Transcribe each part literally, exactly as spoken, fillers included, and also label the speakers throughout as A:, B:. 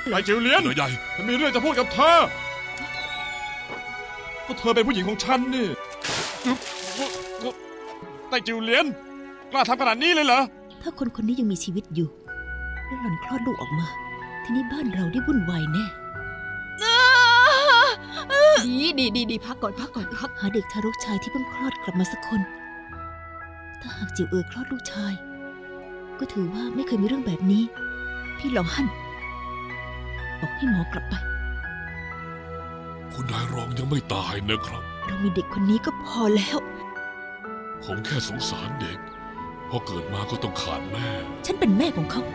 A: ไอ้จิวเลียน
B: เหนือใหญ่
A: ฉันมีเรื่องจะพูดกับเธอก็เธอเป็นผู้หญิงของฉันนี่ไต้จิวเลียนกล้าทำขนาดนี้เลยเหรอ
C: ถ้าคนคนนี้ยังมีชีวิตอยู่ แล้วหล่อนคลอดลูกออกมา ทีนี้บ้านเราได้วุ่นวายแน่
D: ดีดีดีดีพักก่อนพักก่อนพัก
C: หาเด็กทารกชายที่เพิ่งคลอดกลับมาสักคน ถ้าหากจิวเอ๋อคลอดลูกชาย ก็ถือว่าไม่เคยมีเรื่องแบบนี้ พี่หลองฮั่นบอกให้หมอกลับไป
B: คุณนายรองยังไม่ตายนะครับ
C: เรามีเด็กคนนี้ก็พอแล้ว
B: ผมแค่สงสารเด็กพอเกิดมาก็ต้องขาดแม่
C: ฉันเป็นแม่ของเขา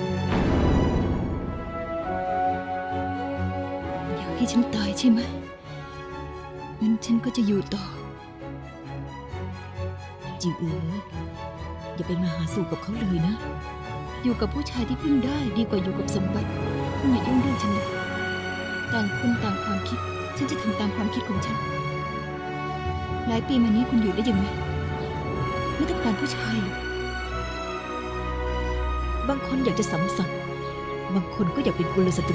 D: อยากให้ฉันตายใช่ไหมงั้นฉันก็จะอยู่ต่อ
C: จิวเอ๋ออย่าไปมาหาสู่กับเขาเลยนะ
D: อยู่กับผู้ชายที่พึ่งได้ดีกว่าอยู่กับสมบัติคุณอย่ายุ่งเรื่องฉันเลยต่างคนต่างความคิด ฉันจะทำตามความคิดของฉัน หลายปีมานี้คุณอยู่ได้ยังไงไม่ต้องการผู้ชายหรอก
C: บางคนอยากจะสัมสัตย์บางคนก็อยากเป็นกุลสตรี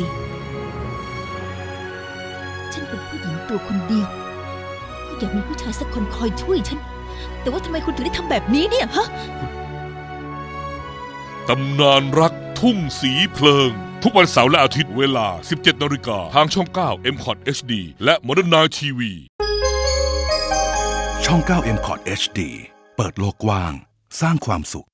C: ฉันเป็นผู้หญิงตัวคนเดียว ก็อยากมีผู้ชายสักคนคอยช่วยฉัน แต่ว่าทำไมคุณถึงได้ทำแบบนี้เนี่ยฮะ
B: ตำนานรักทุ่งสีเพลิง ทุกวันเสาร์และอาทิตย์เวลา สิบเจ็ดนาฬิกาทางช่อง เก้า เอ็ม คอท เอช ดี และ Modern Night ที วี
E: ช่อง เก้า เอ็ม คอท เอช ดี เปิดโลกกว้าง สร้างความสุข